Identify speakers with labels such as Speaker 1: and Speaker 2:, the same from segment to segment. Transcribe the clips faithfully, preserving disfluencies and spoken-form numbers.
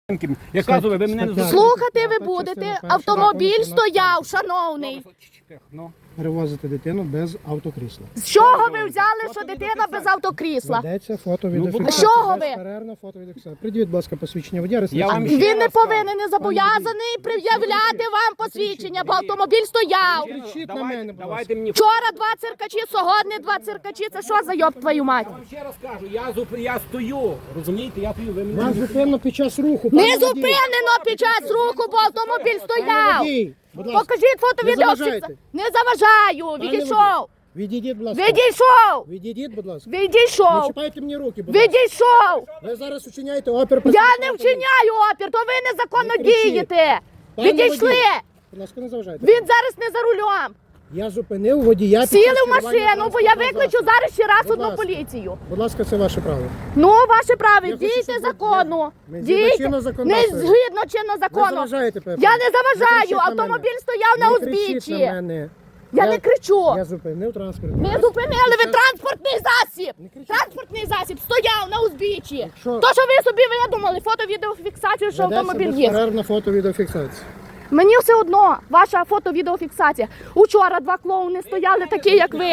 Speaker 1: Я кажу, ви мене не
Speaker 2: Слухати ви будете, автомобіль стояв, шановний.
Speaker 3: Перевозити дитину без автокрісла.
Speaker 2: З чого ви взяли, що дитина без автокрісла?
Speaker 3: Ведеться фото-відеофіксація.
Speaker 2: З чого ви?
Speaker 3: Безперервна фото-відеофіксація. Придивіть, будь ласка, посвідчення водія.
Speaker 1: Я вам ще
Speaker 2: Він не
Speaker 1: раз
Speaker 2: повинен, не зобов'язаний пред'являти вам посвідчення, бо автомобіль стояв.
Speaker 3: Кричіть на
Speaker 1: Давайте-
Speaker 3: мене, будь ласка.
Speaker 1: Давайте мені.
Speaker 2: Вчора два циркачі, сьогодні два циркачі. Це що за йоб твою мать?
Speaker 1: Я вам ще раз кажу, я, зуп... я стою, розумієте, я стою, ви мене...
Speaker 3: Вас зупинено під час руху.
Speaker 2: Не
Speaker 3: пане водій.
Speaker 2: зупинено під час руху, бо автомобіль
Speaker 3: Пане
Speaker 2: стояв.
Speaker 3: водій, будь ласка.
Speaker 2: Покажіть фото
Speaker 3: Не
Speaker 2: відео.
Speaker 3: заважайте.
Speaker 2: Не заважаю.
Speaker 3: Пане
Speaker 2: Відійшов.
Speaker 3: Відійдіть, будь ласка.
Speaker 2: Відійшов.
Speaker 3: Відійдіть, будь ласка. Не
Speaker 2: Відійшов.
Speaker 3: чіпайте мені руки, будь ласка.
Speaker 2: Відійшов.
Speaker 3: Ви зараз учиняєте опір.
Speaker 2: Я не вчиняю опір, то ви незаконно
Speaker 3: Не кричіть.
Speaker 2: дієте.
Speaker 3: Пане
Speaker 2: Відійшли.
Speaker 3: водій, Будь ласка, не заважайте.
Speaker 2: Він зараз не за рулем.
Speaker 3: Я зупинив водія. під
Speaker 2: Сіли
Speaker 3: час
Speaker 2: в
Speaker 3: керування
Speaker 2: машину, бо я
Speaker 3: транспортним
Speaker 2: викличу
Speaker 3: засобом.
Speaker 2: зараз ще раз
Speaker 3: Будь
Speaker 2: одну
Speaker 3: ласка.
Speaker 2: поліцію.
Speaker 3: Будь ласка, це ваше право.
Speaker 2: Ну, ваше право,
Speaker 3: Я хочу,
Speaker 2: дійте
Speaker 3: щоб ви-
Speaker 2: закону.
Speaker 3: Ми згідно
Speaker 2: Дійте.
Speaker 3: чинного
Speaker 2: Не
Speaker 3: законодавства.
Speaker 2: згідно чинного
Speaker 3: Ви
Speaker 2: закону.
Speaker 3: заважаєте, Пепе.
Speaker 2: Я не
Speaker 3: Не
Speaker 2: заважаю,
Speaker 3: кричіть на
Speaker 2: автомобіль
Speaker 3: мене.
Speaker 2: стояв на
Speaker 3: Не кричіть на
Speaker 2: узбіччі.
Speaker 3: мене.
Speaker 2: Я не кричу.
Speaker 3: Я зупинив транспорт.
Speaker 2: Не зупинили ви транспортний засіб.
Speaker 3: Не кричіть.
Speaker 2: Транспортний засіб стояв на узбіччі.
Speaker 3: Якщо-
Speaker 2: То, що ви собі видумали, фото-відеофіксацію, що автомобіль є.
Speaker 3: безперервна фото-відеофіксація.
Speaker 2: Мені все одно, ваша фото-відеофіксація. Учора два клоуни стояли такі, як ви.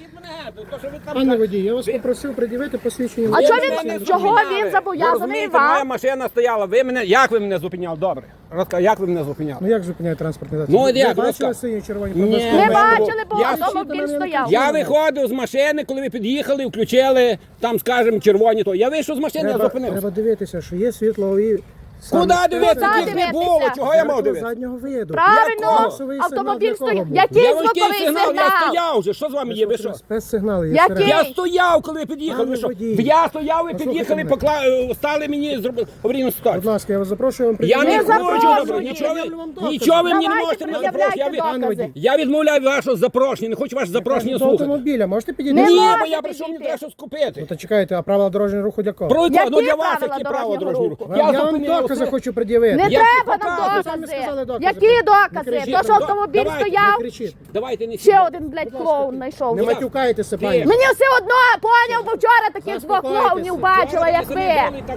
Speaker 3: Пане водій, я вас попросив пред'явити посвідчення.
Speaker 2: А
Speaker 3: водія.
Speaker 2: чого
Speaker 1: Ви
Speaker 2: він-
Speaker 1: мене не
Speaker 2: чого
Speaker 1: зупиняли.
Speaker 2: він зобов'язаний
Speaker 1: Ви розумієте,
Speaker 2: вам?
Speaker 1: моя машина стояла, ви мене, як ви мене зупиняли? Добре, розкажи, як ви мене зупиняли?
Speaker 3: Ну як зупиняє транспортний засіб?
Speaker 1: Ну,
Speaker 3: Ви
Speaker 1: як,
Speaker 3: бачили
Speaker 1: розказ-
Speaker 3: сині червоні
Speaker 1: Ні.
Speaker 3: проблиски?
Speaker 2: Не
Speaker 1: Ми-
Speaker 2: бачили, бо
Speaker 1: Я-
Speaker 2: автомобіль стояв.
Speaker 1: Я виходив з машини, коли ви під'їхали, включили, там, скажімо, червоні то. Я вийшов з машини, я
Speaker 3: Треба,
Speaker 1: зупинився.
Speaker 3: треба дивитися, що є світлові...
Speaker 1: Куди
Speaker 3: саме-
Speaker 1: дивитися?
Speaker 2: Куди
Speaker 1: Їх не було,
Speaker 2: дивитися?
Speaker 1: чого я мав
Speaker 3: Зеркало
Speaker 1: дивитися?
Speaker 3: заднього виду.
Speaker 2: Правильно,
Speaker 3: Голосовий сигнал
Speaker 2: автомобіль
Speaker 3: для кого
Speaker 2: стояв.
Speaker 3: був?
Speaker 2: Який
Speaker 1: Я важкий
Speaker 2: звуковий
Speaker 1: сигнал, я
Speaker 2: сигнал?
Speaker 1: стояв вже, що з вами є, ви що?
Speaker 3: Спецсигнали є.
Speaker 2: Який?
Speaker 3: всередині.
Speaker 1: Я стояв, коли ви під'їхали, ви
Speaker 3: Пане
Speaker 1: що?
Speaker 3: водій.
Speaker 1: Я стояв, ви
Speaker 3: Послухайте
Speaker 1: під'їхали,
Speaker 3: мене.
Speaker 1: покла... е, стали мені, зробили аварійну
Speaker 3: Будь
Speaker 1: ситуацію.
Speaker 3: ласка, я вас запрошую вам
Speaker 1: Я не
Speaker 3: пред'явити.
Speaker 2: Не
Speaker 1: хочу,
Speaker 2: запрошую.
Speaker 1: добре, нічого
Speaker 3: Я вам
Speaker 1: ви,
Speaker 3: докази.
Speaker 1: нічого ви мені не
Speaker 2: Давайте
Speaker 1: можете мене
Speaker 2: пред'являйте
Speaker 1: запрошувати. Я, від-
Speaker 2: докази.
Speaker 1: я відмовляю вашого запрошення, не хочу ваше запрошення
Speaker 3: До
Speaker 1: слухати.
Speaker 3: автомобіля, можете підійти?
Speaker 2: Не
Speaker 1: Ні, бо
Speaker 2: можете
Speaker 1: я прийшов, мені
Speaker 2: підійти.
Speaker 1: треба щось купити.
Speaker 3: Ну то чекайте, а правила дорожнього руху для кого?
Speaker 1: Про
Speaker 2: Які
Speaker 1: то, ну для вас
Speaker 2: правила
Speaker 1: які право
Speaker 2: дорожнього
Speaker 1: дорожнього
Speaker 2: руху?
Speaker 1: руху.
Speaker 3: Я, я вам
Speaker 1: зупинив
Speaker 3: докази
Speaker 1: все.
Speaker 3: хочу пред'явити.
Speaker 2: Не
Speaker 1: Я
Speaker 2: треба
Speaker 1: ті
Speaker 2: нам
Speaker 1: показую.
Speaker 3: Самі
Speaker 2: докази.
Speaker 3: сказали докази.
Speaker 2: Які
Speaker 3: Не
Speaker 2: докази?
Speaker 3: кричіть.
Speaker 2: То, що
Speaker 1: Ну,
Speaker 2: автомобіль
Speaker 1: давайте,
Speaker 3: Не
Speaker 2: стояв,
Speaker 3: кричіть.
Speaker 1: Давайте не
Speaker 2: ще один, блядь, клоун
Speaker 3: Не
Speaker 2: знайшов.
Speaker 3: матюкайтеся, пані.
Speaker 2: Мені все одно, поняв, бо вчора таких двох
Speaker 3: Заспокойтеся.
Speaker 2: клоунів бачила, як ви.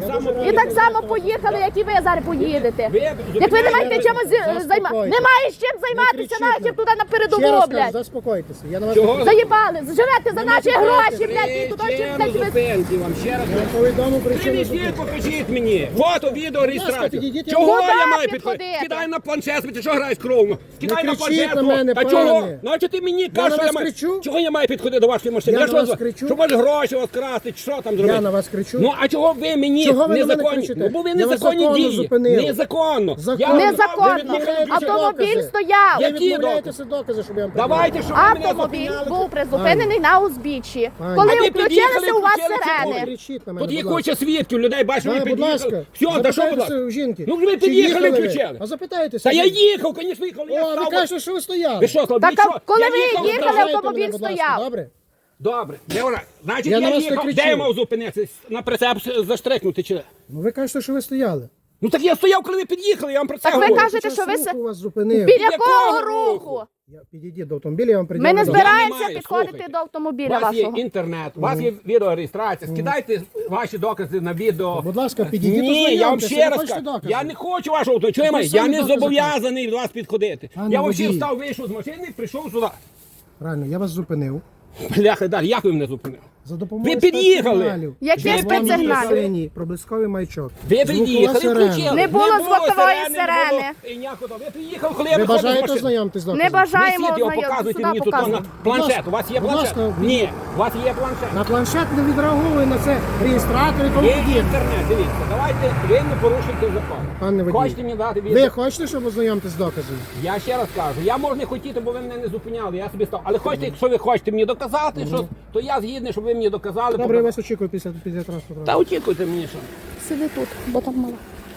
Speaker 2: І так само поїхали, як і ви зараз поїдете. Як ви не маєте чимось займатися.
Speaker 3: Заспокойтеся.
Speaker 2: Немає з чим
Speaker 3: Не
Speaker 2: займатися,
Speaker 3: кричіть
Speaker 2: нахер
Speaker 3: нам.
Speaker 2: туди на
Speaker 3: Ще раз
Speaker 2: передову,
Speaker 3: кажу,
Speaker 2: блядь.
Speaker 3: заспокойтеся. Я на вас
Speaker 1: Чого?
Speaker 3: не
Speaker 2: Заїбали, живете за наші
Speaker 3: матюкайтеся.
Speaker 2: гроші, блядь, і туди чим блядь, ви...
Speaker 1: зупинки вам ще раз.
Speaker 3: повідомив причину
Speaker 1: Привезіть,
Speaker 3: зупинки.
Speaker 1: покажіть мені. Фото, відео, реєстрацію.
Speaker 3: підійдіть, я
Speaker 1: Чого
Speaker 2: Куди
Speaker 1: я маю
Speaker 2: підходити?
Speaker 1: підходити? Кидай на планшет, ти що граєш кровно? Кидай на
Speaker 3: кричіть
Speaker 1: планшет.
Speaker 3: на мене,
Speaker 1: Та
Speaker 3: пане.
Speaker 1: чого? Ну а чого ти мені кажеш,
Speaker 3: на
Speaker 1: що я
Speaker 3: вас
Speaker 1: маю?
Speaker 3: кричу?
Speaker 1: Чого я маю підходити до вашої машини?
Speaker 3: Я
Speaker 1: що
Speaker 3: на вас
Speaker 1: за-
Speaker 3: кричу?
Speaker 1: Щоб вас гроші вас красти, чи що там зробити?
Speaker 3: Я на вас кричу?
Speaker 1: Ну а чого ви мені
Speaker 3: Чого ви на мене
Speaker 1: незаконні?
Speaker 3: кричите?
Speaker 1: Ну бо ви
Speaker 3: Я вас
Speaker 1: незаконні
Speaker 3: законно
Speaker 1: дії.
Speaker 3: зупинив.
Speaker 1: Незаконно.
Speaker 3: Законно.
Speaker 1: Я-
Speaker 2: Незаконно.
Speaker 1: Ви відмовляєтеся
Speaker 2: Автомобіль
Speaker 1: докази.
Speaker 2: стояв.
Speaker 3: Ви
Speaker 1: Які
Speaker 3: відмовляєтеся докази, щоб я вам пред'явив.
Speaker 1: Давайте, щоб ви мене
Speaker 2: Автомобіль
Speaker 1: зупиняли.
Speaker 2: був призупинений на узбіччі.
Speaker 3: Пані.
Speaker 2: Коли
Speaker 1: А ви
Speaker 2: включилися
Speaker 1: під'їхали,
Speaker 2: у вас
Speaker 1: включили
Speaker 3: Не
Speaker 2: сирени.
Speaker 1: червоний.
Speaker 3: кричіть на мене,
Speaker 1: Тут є
Speaker 3: будь ласка.
Speaker 1: куча свідків, людей бачили,
Speaker 3: Да,
Speaker 1: ви
Speaker 3: будь ласка.
Speaker 1: під'їхали. Все, та що, будь
Speaker 3: Запитайтеся
Speaker 1: ласка?
Speaker 3: у жінки.
Speaker 1: Ну, ви
Speaker 3: Чи
Speaker 1: під'їхали,
Speaker 3: їхали ви?
Speaker 1: включили.
Speaker 3: А запитайтеся.
Speaker 1: Та я
Speaker 3: жінки.
Speaker 1: їхав, звісно, їхав. Я
Speaker 3: О, ви
Speaker 1: став.
Speaker 3: кажете, що ви стояли.
Speaker 1: Ви що, слабі,
Speaker 2: Так, а
Speaker 1: що?
Speaker 2: коли
Speaker 1: Я
Speaker 2: ви
Speaker 1: їхав,
Speaker 2: їхали,
Speaker 1: правильно.
Speaker 2: автомобіль
Speaker 3: мене, будь ласка,
Speaker 2: стояв.
Speaker 3: Добре?
Speaker 1: Добре, Леона, значить
Speaker 3: Я
Speaker 1: я,
Speaker 3: на вас не
Speaker 1: їхав,
Speaker 3: кричу.
Speaker 1: де я мав зупинитися? На прицеп заштрикнути чи?
Speaker 3: Ну ви кажете, що ви стояли.
Speaker 1: Ну так я стояв, коли ви під'їхали, я вам про це
Speaker 2: Так ви
Speaker 1: говорю.
Speaker 2: кажете,
Speaker 3: Під час
Speaker 2: що ви
Speaker 3: руху
Speaker 2: се-
Speaker 3: вас зупинив.
Speaker 2: Біля
Speaker 1: Якого
Speaker 2: кого
Speaker 1: руху?
Speaker 2: руху?
Speaker 3: Я підійдіть до автомобіля, я вам
Speaker 2: Ми
Speaker 3: пред'явлю.
Speaker 2: не
Speaker 3: докази.
Speaker 2: збираємося
Speaker 1: Я не маю,
Speaker 2: підходити
Speaker 1: слухайте.
Speaker 2: до
Speaker 1: У
Speaker 2: автомобіля
Speaker 1: вас є
Speaker 2: вашого.
Speaker 1: інтернет, у вас є відеореєстрація. Скидайте ваші докази на відео.
Speaker 3: Будь ласка, підійдіть,
Speaker 1: Ні, я вам
Speaker 3: ознайомтеся,
Speaker 1: ще
Speaker 3: ви
Speaker 1: раз
Speaker 3: хочете
Speaker 1: кажу.
Speaker 3: докази?
Speaker 1: Я не хочу вашого авто. Чого я
Speaker 3: Ви
Speaker 1: маю? Я
Speaker 3: самі
Speaker 1: не
Speaker 3: докази
Speaker 1: зобов'язаний до вас підходити.
Speaker 3: Пане
Speaker 1: Я взагалі
Speaker 3: водій.
Speaker 1: встав, вийшов з машини і прийшов сюди.
Speaker 3: Правильно, я вас зупинив.
Speaker 1: Бляха, далі, як ви мене зупинили?
Speaker 3: За допомогою
Speaker 1: Ви під'їхали.
Speaker 3: спецсигналів.
Speaker 2: Які
Speaker 3: Червоний,
Speaker 2: спецсигнали?
Speaker 3: синій, проблисковий маячок.
Speaker 1: Ви
Speaker 3: Звукова
Speaker 1: приїхали,
Speaker 3: сирена.
Speaker 1: включили.
Speaker 2: Не було звукової сирени.
Speaker 1: І ніякого. Ви приїхали, коли я
Speaker 3: Ви
Speaker 1: виходив з
Speaker 3: бажаєте
Speaker 1: машини.
Speaker 3: ознайомитись з
Speaker 2: Не
Speaker 3: доказом?
Speaker 2: бажаємо
Speaker 1: Несіть його,
Speaker 2: ознайомитися.
Speaker 1: показуйте
Speaker 2: Сюди
Speaker 1: мені тут на
Speaker 2: показуйте.
Speaker 1: планшет. У вас є
Speaker 3: Будь
Speaker 1: планшет?
Speaker 3: ласка,
Speaker 1: Ні, у вас є планшет.
Speaker 3: На планшет не відреагує на це реєстратор і тому
Speaker 1: Є
Speaker 3: подібне.
Speaker 1: інтернет, дивіться. Давайте, ви не порушуйте закон.
Speaker 3: Пане водій,
Speaker 1: Хочете мені дати
Speaker 3: ви
Speaker 1: відео?
Speaker 3: хочете, щоб ознайомитись з доказом?
Speaker 1: Я ще раз кажу, я можу не хотіти, бо ви мене не зупиняли, я собі став. Але хочете, якщо ви хочете мені доказати, що, то я згідний, щоб ви мені доказали.
Speaker 3: Добре, я
Speaker 1: пока-
Speaker 3: вас очікую після, після транспорту.
Speaker 1: Та очікуйте мені, що.
Speaker 2: Сиди тут, бо там мало.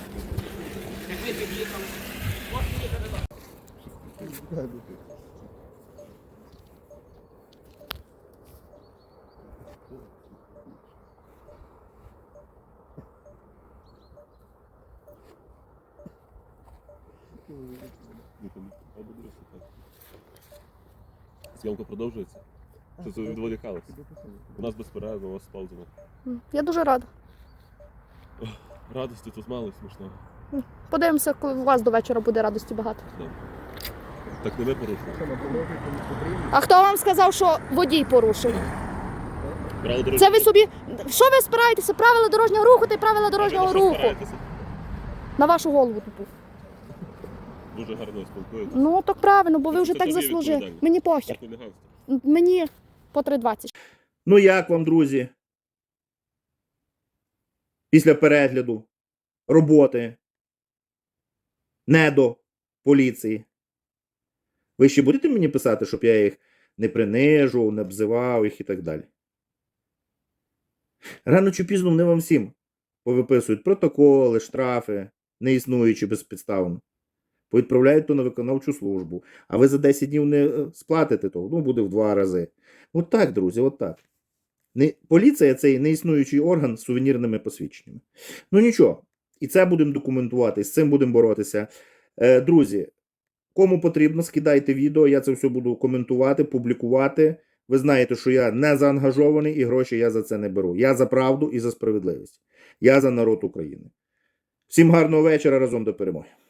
Speaker 1: Як ви під'їхали.
Speaker 4: Зйомка продовжується? Чи це відволікалося? У нас безперервно, у вас з паузами.
Speaker 2: Я дуже рада.
Speaker 4: Радості тут мало і смішного.
Speaker 2: Подивимося, коли у вас до вечора буде радості багато.
Speaker 4: Так не ми порушуємо.
Speaker 2: А хто вам сказав, що водій порушив?
Speaker 4: Право дорожнього
Speaker 2: Це ви собі. Що ви спираєтеся? Правила дорожнього руху та й правила дорожнього
Speaker 4: руху.
Speaker 2: руху. На вашу голову тупу.
Speaker 4: Дуже гарно спілкуєтесь.
Speaker 2: Ну так правильно, бо ви
Speaker 4: Це
Speaker 2: вже так
Speaker 4: тобі
Speaker 2: заслужили.
Speaker 4: відповідальність.
Speaker 2: Мені похер.
Speaker 4: Це хуліганство.
Speaker 2: Мені по три двадцять.
Speaker 5: Ну як вам, друзі? Після перегляду роботи недо поліції. Ви ще будете мені писати, щоб я їх не принижував, не обзивав їх і так далі? Рано чи пізно вони вам всім повиписують протоколи, штрафи, не існуючи безпідставно. Повідправляють то на виконавчу службу. А ви за десять днів не е, сплатите того, ну буде в два рази. От так, друзі, от так. Не, поліція – це і неіснуючий орган з сувенірними посвідченнями. Ну нічого, і це будемо документувати, з цим будемо боротися. Е, друзі, кому потрібно, скидайте відео, я це все буду коментувати, публікувати. Ви знаєте, що я не заангажований і гроші я за це не беру. Я за правду і за справедливість. Я за народ України. Всім гарного вечора, разом до перемоги.